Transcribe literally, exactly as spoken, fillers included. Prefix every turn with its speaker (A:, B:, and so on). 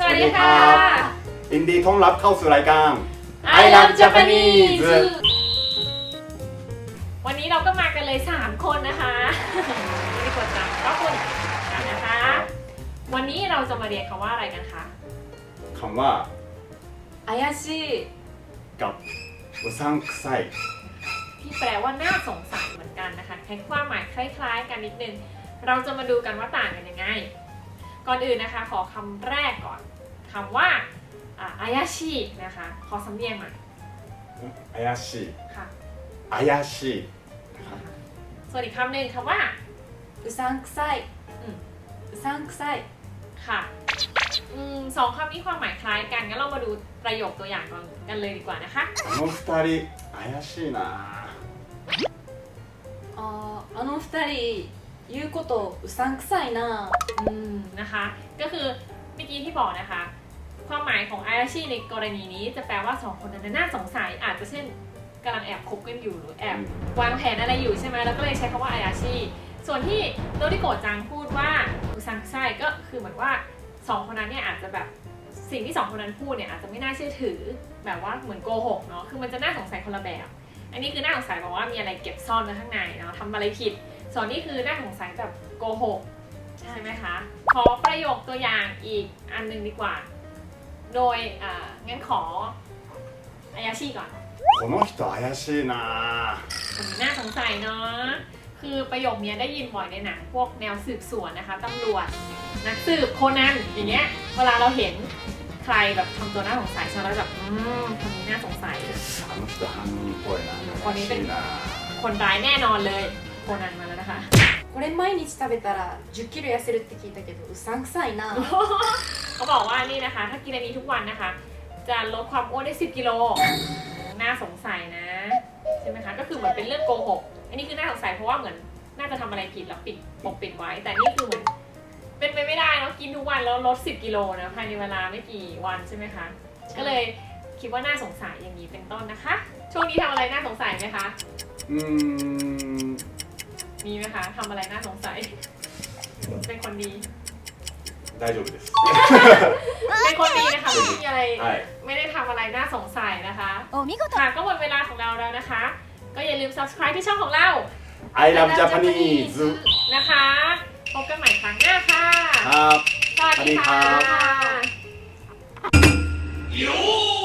A: วัสดีค่ะ
B: ยินดีต้อนรับเข้าสู่รายการ
A: I Love Japanese วันนี้เราก็มากันเลยสามคนนะคะไม่ได้กดจังก็คุณกันนะคะวันนี้เราจะมาเรียนคำว่าอะไรกันคะ
B: คำว่า
A: 怪しい
B: กับอุซังไซ
A: ที่แปลว่าน่าสงสัยเหมือนกันนะคะใช้ความหมายคล้ายๆกันนิดนึงเราจะมาดูกันว่าต่างกันยังไงก่อนอื่นนะคะขอคำแรกก่อนคำว่าอายาชินะคะขอสำเนียงหน่อย
B: อายาชิ
A: ค่ะ
B: อายาชิ
A: ส่วนอีกคำหนึ่งคำว่าอุซังไซอุซังไซค่ะอืมสองคำนี้ความหมายคล้ายกันงั้นเรามาดูประโยคตัวอย่างกันเลยดีกว่านะคะ
B: あの二人怪しいな
C: ああの二人言うことうさんくさいな
A: อืมนะคะก็คือเมื่อกี้ที่บอกนะคะความหมายของอายาชิในกรณีนี้จะแปลว่าสองคนนั้นน่าสงสัยอาจจะเช่นกำลังแอบคบกันอยู่หรือแอบวางแผนอะไรอยู่ใช่ไหมแล้วก็เลยใช้คำว่าอายาชิส่วนที่โดริโกะจังพูดว่าอุซังไซก็คือเหมือนว่าสองคนนั้นเนี่ยอาจจะแบบสิ่งที่สองคนนั้นพูดเนี่ยอาจจะไม่น่าเชื่อถือแบบว่าเหมือนโกหกเนาะคือมันจะน่าสงสัยคนละแบบอันนี้คือน่าสงสัยบอกว่ามีอะไรเก็บซ่อนไว้ข้างในเนาะทำอะไรผิดส่วนนี้คือน่าสงสัยแบบโกหกใช่ไหมคะขอประโยคตัวอย่างอีกอันนึงดีกว่าโดยอ่างั้นขออายาชิก่อน
B: この人怪しいな
A: คนนี้น่าสงสัยเนาะคือประโยคนี้ได้ยินบ่อยในหนังพวกแนวสืบสวนนะคะตำรวจนักสืบโคนันอย่างเงี้ยเวลาเราเห็นใครแบบทำตัวน่าสงสัยใช่ไหมเราแบบอืมคนนี้น่าสงสัย
B: あの人犯人っぽいな
A: คนนี้เป็นคนร้ายแน่นอนเลยโคนันมาแล้วนะคะ
C: これ毎日食べたらじゅっキロ痩せるって聞いたけどうさんくさいな
A: เขาบอกว่านี่นะคะถ้ากินอันนี้ทุกวันนะคะจะลดความอ้วนได้สิบกิโลน่าสงสัยนะใช่ไหมคะก็คือเหมือนเป็นเรื่องโกหกอันนี้คือน่าสงสัยเพราะว่าเหมือนน่าจะทำอะไรผิดแล้วปิดปกปิดไว้แต่นี่คือเหมือนเป็นไปไม่ได้เนาะกินทุกวันแล้วลดสิบกิโลนะภายในเวลาไม่กี่วันใช่ไหมคะก็เลยคิดว่าน่าสงสัยอย่างนี้เป็นต้นนะคะช่วงนี้ทำอะไรน่าสงสัยไหมคะ
B: อืม
A: มีไหมคะทำอะไรน่าสงสัยเป็นคนดี
B: 大丈夫です
A: เป็นคนดีนะคะไม่มีอะไรไม่ได้ทำอะไรน่าสงสัยนะคะค่ะก็หมดเวลาของเราแล้วนะคะก็อย่าลืม subscribe ที่ช่องของเรา
B: I Love Japanese
A: นะคะพบกันใหม่ครั้งหน้าค่ะ
B: ครับ
A: สวัสดีค่ะ